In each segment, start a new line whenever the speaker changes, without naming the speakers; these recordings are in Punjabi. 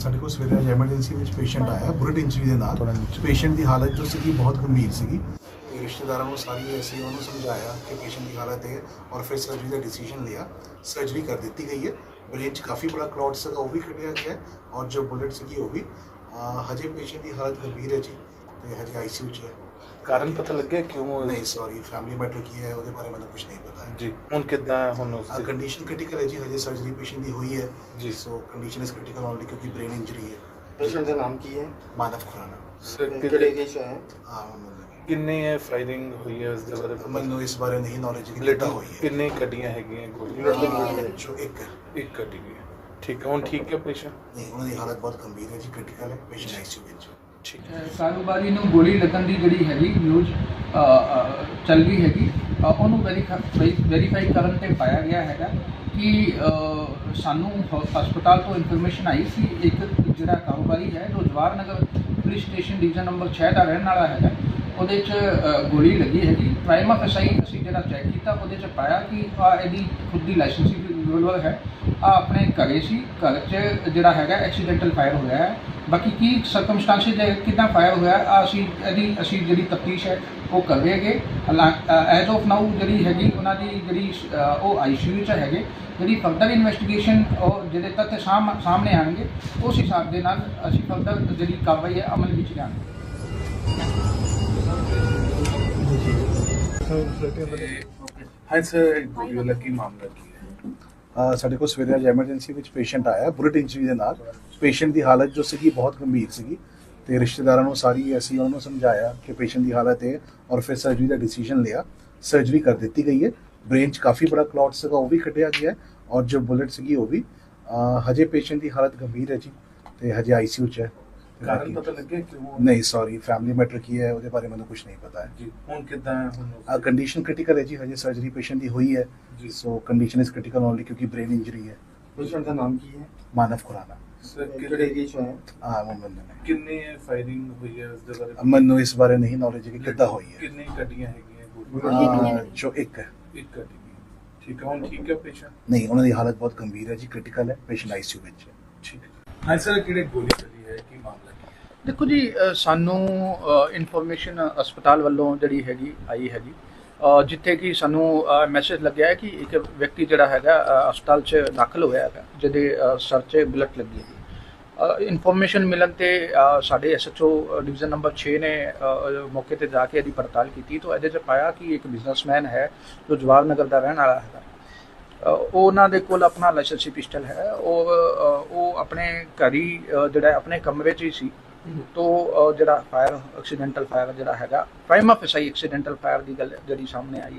ਸਾਡੇ ਕੋਲ ਸਵੇਰੇ ਅੱਜ ਐਮਰਜੈਂਸੀ ਵਿੱਚ ਪੇਸ਼ੈਂਟ ਆਇਆ ਬੁਲਟ ਇੰਜਰੀ ਦੇ ਨਾਲ। ਪੇਸ਼ੈਂਟ ਦੀ ਹਾਲਤ ਜੋ ਸੀਗੀ ਬਹੁਤ ਗੰਭੀਰ ਸੀਗੀ ਤੇ ਰਿਸ਼ਤੇਦਾਰਾਂ ਨੂੰ ਸਾਰੀ ਅਸੀਂ ਉਹਨੂੰ ਸਮਝਾਇਆ ਕਿ ਪੇਸ਼ੈਂਟ ਦੀ ਹਾਲਤ ਹੈ ਔਰ ਫਿਰ ਸਰਜਰੀ ਦਾ ਡਿਸੀजन लिया। सर्जरी कर दी गई है। ब्रेन च काफ़ी बड़ा क्लॉट सीगा वो भी कटिया गया है और जो बुलेट सीगी वो भी हजे पेशेंट की हालत गंभीर है जी तो हजे ICU च है।
कारण पता लग गया क्यों?
नहीं सॉरी फैमिली मैटर की है वो बारे में कुछ नहीं पता है
जी। हुण किद्दां हुण
कंडीशन क्रिटिकल है जी हजे सर्जरी पेशेंट की हुई है
जी।
So condition is critical only क्योंकि ब्रेन इंजरी है।
पेशेंट का नाम की है?
मानव खुराना।
किहड़े एरिया च है?
हाँ
किन्नी फायरिंग हुई है उस जगह पे?
मैनू इस बारे नहीं नॉलेज कि
बुलेट
हुई है।
किन्नी कटियां हैगियां गोलियां?
जो एक
एक कटी गई है। ठीक है। हुण ठीक है पेशेंट?
नहीं उन्होंने हालत बहुत गंभीर है जी क्रिटिकल है पेशेंट ICU ਵਿੱਚ।
ठीक है।
ਕਾਰੋਬਾਰੀ ਨੂੰ ਗੋਲੀ ਲੱਗਣ ਦੀ ਜਿਹੜੀ ਹੈਗੀ ਨਿਊਜ਼ ਚੱਲ ਰਹੀ ਹੈਗੀ ਉਹਨੂੰ ਵੈਰੀਫਾਈ ਕਰਨ ਤੇ ਪਾਇਆ ਗਿਆ ਹੈਗਾ ਕਿ ਸਾਨੂੰ ਹਸਪਤਾਲ ਤੋਂ ਇਨਫੋਰਮੇਸ਼ਨ ਆਈ ਸੀ ਇੱਕ ਜਿਹੜਾ ਕਾਰੋਬਾਰੀ ਹੈ ਜੋ Jawahar Nagar police station division number 6 ਦਾ ਰਹਿਣ ਵਾਲਾ ਹੈਗਾ ਉਹਦੇ 'ਚ ਗੋਲੀ ਲੱਗੀ ਹੈਗੀ। ਪ੍ਰਾਈਮ ਆਫਿਸਾਈ ਅਸੀਂ ਜਿਹੜਾ ਚੈੱਕ ਕੀਤਾ ਉਹਦੇ 'ਚ ਪਾਇਆ ਕਿ ਇਹਦੀ ਖੁਦ ਦੀ ਲਾਇਸੈਂਸੀ ਰਿਵੋਲਵਰ ਹੈ ਆਪਣੇ ਘਰੇ ਸੀ ਘਰ 'ਚ ਜਿਹੜਾ ਹੈਗਾ ਐਕਸੀਡੈਂਟਲ ਫਾਇਰ ਹੋਇਆ ਹੈ। ਬਾਕੀ ਕੀ ਸਰਕਮਸਟੈਂਸਿਸ ਹੈ ਕਿੱਦਾਂ ਫਾਇਰ ਹੋਇਆ ਅਸੀਂ ਜਿਹੜੀ ਤਫਤੀਸ਼ ਹੈ ਉਹ ਕਰ ਰਹੇ ਹੈਗੇ। ਐਜ਼ ਆਫ ਨਾਊ ਜਿਹੜੀ ਹੈਗੀ ਉਹਨਾਂ ਦੀ ਜਿਹੜੀ ਉਹ ICU 'ਚ ਹੈਗੇ ਜਿਹੜੀ ਫਰਦਰ ਇਨਵੈਸਟੀਗੇਸ਼ਨ ਉਹ ਜਿਹੜੇ ਤੱਥ ਸਾਹਮਣੇ ਆਉਣਗੇ ਉਸ ਹਿਸਾਬ ਦੇ ਨਾਲ ਅਸੀਂ ਫਰਦਰ ਜਿਹੜੀ ਕਾਰਵਾਈ ਹੈ ਅਮਲ ਵਿੱਚ ਲਿਆਵਾਂਗੇ।
हाँ सर गोली वाला की मामला की है?
ਸਾਡੇ ਕੋਲ ਸਵੇਰੇ ਅੱਜ ਐਮਰਜੈਂਸੀ ਵਿੱਚ ਪੇਸ਼ੈਂਟ ਆਇਆ ਬੁਲਟ ਇੰਜਰੀ ਦੇ ਨਾਲ। ਪੇਸ਼ੈਂਟ ਦੀ ਹਾਲਤ ਜੋ ਸੀਗੀ ਬਹੁਤ ਗੰਭੀਰ ਸੀਗੀ ਤੇ ਰਿਸ਼ਤੇਦਾਰਾਂ ਨੂੰ ਸਾਰੀ ਅਸੀਂ ਉਹਨਾਂ ਨੂੰ ਸਮਝਾਇਆ ਕਿ ਪੇਸ਼ੈਂਟ ਦੀ ਹਾਲਤ ਹੈ ਔਰ ਫਿਰ ਸਰਜਰੀ ਦਾ ਡਿਸੀजन लिया। सर्जरी कर दी गई है। ब्रेन च काफ़ी बड़ा क्लॉट सीगा वो भी कटिया गया है और जो बुलेट सीगी वो भी हजे पेशेंट की हालत गंभीर है जी तो हजे ICU च है।
कारण पता लग गया क्यों?
नहीं सॉरी फैमिली मैटर की है वो बारे में कुछ नहीं पता है
जी। हुण किद्दां हुण
कंडीशन क्रिटिकल है जी हजे सर्जरी पेशेंट की हुई है
जी।
So condition is critical only क्योंकि ब्रेन इंजरी है।
पेशेंट का नाम की है?
मानव खुराना।
सर
किहड़े एरिया च है?
हाँ मुंबई में।
किन्नी फायरिंग हुई है उस जगह पे?
मैनू इस बारे नहीं नॉलेज कि किद्दां हुई है।
किन्नी कटियां हैगियां गोलियां?
जो एक है।
एक कटी गई। ठीक है। हुण ठीक है पेशेंट?
नहीं उन्होंने हालत बहुत गंभीर है जी क्रिटिकल है पेशेंट ICU में है।
ठीक है। हाँ सर किहड़े गोली चली है की मामला की है?
ਦੇਖੋ ਜੀ ਸਾਨੂੰ ਇਨਫੋਰਮੇਸ਼ਨ ਹਸਪਤਾਲ ਵੱਲੋਂ ਜਿਹੜੀ ਹੈਗੀ ਆਈ ਹੈਗੀ ਜਿੱਥੇ ਕਿ ਸਾਨੂੰ ਮੈਸੇਜ ਲੱਗਿਆ ਹੈ ਕਿ ਇੱਕ ਵਿਅਕਤੀ ਜਿਹੜਾ ਹੈਗਾ ਹਸਪਤਾਲ 'ਚ ਦਾਖਲ ਹੋਇਆ ਹੈਗਾ ਜਿਹਦੇ ਸਰ 'ਚ ਬੁਲਟ ਲੱਗੀ ਹੈ। ਇਨਫੋਰਮੇਸ਼ਨ ਮਿਲਣ ਤੇ ਸਾਡੇ SHO ਡਿਵੀਜ਼ਨ ਨੰਬਰ 6 ਨੇ ਮੌਕੇ ਤੇ ਜਾ ਕੇ ਇਹਦੀ ਪੜਤਾਲ ਕੀਤੀ ਤਾਂ ਇਹਦੇ 'ਚ ਪਾਇਆ ਕਿ ਇੱਕ ਬਿਜ਼ਨਸਮੈਨ ਹੈ ਜੋ ਜਵਾਹਰ ਨਗਰ ਦਾ ਰਹਿਣ ਵਾਲਾ ਹੈਗਾ। ਉਹਨਾਂ ਦੇ ਕੋਲ ਆਪਣਾ ਲਾਇਸੈਂਸੀ ਪਿਸਟਲ ਹੈ ਉਹ ਆਪਣੇ ਘਰ ਹੀ ਜਿਹੜਾ ਆਪਣੇ ਕਮਰੇ 'ਚ ਹੀ ਸੀ तो ਜਿਹੜਾ ਫਾਇਰ ਐਕਸੀਡੈਂਟਲ ਫਾਇਰ ਜਿਹੜਾ ਹੈਗਾ ਪ੍ਰਾਈਮ ਆਫਿਸਾਈ ਐਕਸੀਡੈਂਟਲ ਫਾਇਰ ਦੀ ਗੱਲ ਜਿਹੜੀ ਸਾਹਮਣੇ ਆਈ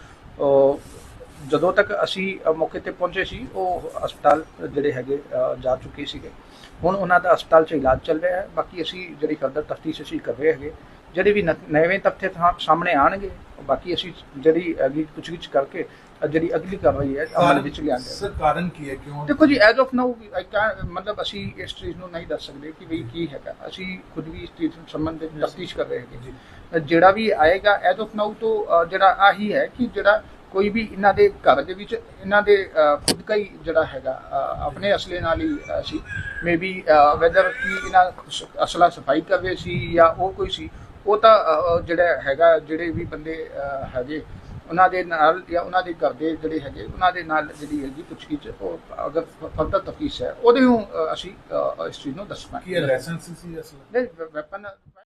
ਹੈਗੀ। ਜਦੋਂ ਤੱਕ ਅਸੀਂ ਮੌਕੇ ਤੇ ਪਹੁੰਚੇ ਸੀ ਉਹ ਹਸਪਤਾਲ ਜਿਹੜੇ ਹੈਗੇ ਜਾ ਚੁੱਕੇ ਸੀਗੇ। ਹੁਣ ਉਹਨਾਂ ਦਾ ਹਸਪਤਾਲ 'ਚ ਇਲਾਜ ਚੱਲ ਰਿਹਾ ਹੈ। ਬਾਕੀ ਅਸੀਂ ਜਿਹੜੀ ਫਰਦਰ ਤਫਤੀਸ਼ ਅਸੀਂ ਕਰ ਰਹੇ ਹੈਗੇ ਜਿਹੜੇ ਵੀ ਨਵੇਂ ਤੱਥ ਸਾਹਮਣੇ ਆਉਣਗੇ ਬਾਕੀ ਅਸੀਂ ਜਿਹੜੀ ਅਗਲੀ ਪੁੱਛਗਿੱਛ ਕਰਕੇ ਜਿਹੜੀ ਅਗਲੀ ਕਾਰਵਾਈ ਹੈ ਅਮਲ ਵਿੱਚ ਲਿਆਂਗੇ।
ਸਰ ਕਾਰਨ ਕੀ ਹੈ ਕਿਉਂ?
ਦੇਖੋ ਜੀ ਐਜ਼ ਆਫ ਨਾਊ ਮਤਲਬ ਅਸੀਂ ਇਸ ਚੀਜ਼ ਨੂੰ ਨਹੀਂ ਦੱਸ ਸਕਦੇ ਕਿ ਵੀ ਕੀ ਹੈਗਾ। ਅਸੀਂ ਖੁਦ ਵੀ ਇਸ ਚੀਜ਼ ਸੰਬੰਧਿਤ ਤਫਤੀਸ਼ ਕਰ ਰਹੇ ਹੈਗੇ। ਜਿਹੜਾ ਵੀ ਆਏਗਾ ਐਜ਼ ਆਫ ਨਾਊ ਤੋਂ ਜਿਹੜਾ ਆਹੀ ਹੈ ਕਿ ਜਿਹੜਾ ਕੋਈ ਵੀ ਇਹਨਾਂ ਦੇ ਘਰ ਦੇ ਵਿੱਚ ਇਹਨਾਂ ਦੇ ਖੁਦ ਦਾ ਹੀ ਜਿਹੜਾ ਹੈਗਾ ਆਪਣੇ ਅਸਲੇ ਨਾਲ ਹੀ ਸੀ ਮੇਬੀ ਵੈਦਰ ਕਿ ਇਹਨਾਂ ਅਸਲਾ ਸਫਾਈ ਕਰ ਰਹੇ ਸੀ ਜਾਂ ਉਹ ਕੋਈ ਸੀ ਉਹ ਤਾਂ ਜਿਹੜਾ ਹੈਗਾ ਜਿਹੜੇ ਵੀ ਬੰਦੇ ਹੈਗੇ ਉਹਨਾਂ ਦੇ ਨਾਲ ਜਾਂ ਉਹਨਾਂ ਦੇ ਘਰ ਦੇ ਜਿਹੜੇ ਹੈਗੇ ਉਹਨਾਂ ਦੇ ਨਾਲ ਜਿਹੜੀ ਹੈਗੀ ਪੁੱਛਗਿੱਛ ਉਹ ਅਗਰ ਫਰਦਰ ਤਫਤੀਸ਼ ਹੈ ਉਹਦੇ ਨੂੰ ਅਸੀਂ ਇਸ ਚੀਜ਼ ਨੂੰ ਦੱਸਣਾ।
ਕੀ ਲਾਇਸੈਂਸ ਸੀ ਅਸਲ?
ਨਹੀਂ ਵੈਪਨ